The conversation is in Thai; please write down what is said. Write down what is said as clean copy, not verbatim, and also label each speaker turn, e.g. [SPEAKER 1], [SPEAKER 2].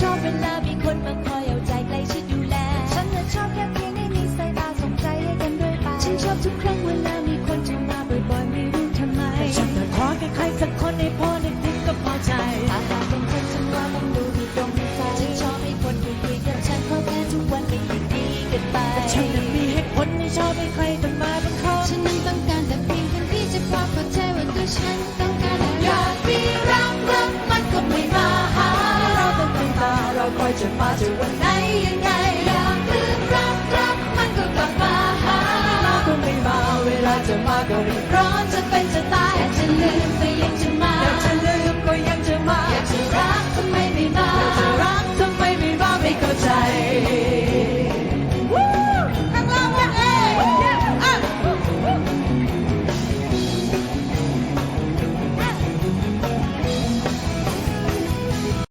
[SPEAKER 1] ชอบเวลามีคนมาคอยเอาใจใกล้ชิดดูแลฉันน่ะชอบแค่เพียงได้มีสายตาส่งใจให้กันด้วยไปฉันชอบทุกครั้งเวลามีคนจะมาบ่อยๆไม่รู้ทำไมแต่ฉันน่ะขอแค่ใครสักคนให้พอนึกถึงก็พอใจถ้าหากเป็นคนฉันว่ามันดูที่ตรงใจฉันชอบให้คนคุยกับฉันเพราะแค่ทุกวันเป็นอย่างดีกันไปแต่ฉันน่ะมีเหตุผลไม่ชอบให้ใครต้องมาบังคับฉันนั้นต้องการแต่เพียงคนที่จะพอเข้าใจว่าตัวฉันต้องการอะไรอยากมีรักมันก็ไม่มาหาเราต้องเป็นตาเราคอยจะมาจะวันไหนยังไงอยากลืมรักมันก็กลับมาหามาก็ไม่มาเวลาจะมาก็รีบร้อนจะเป็นจะตายแต่จะลืมไปยัง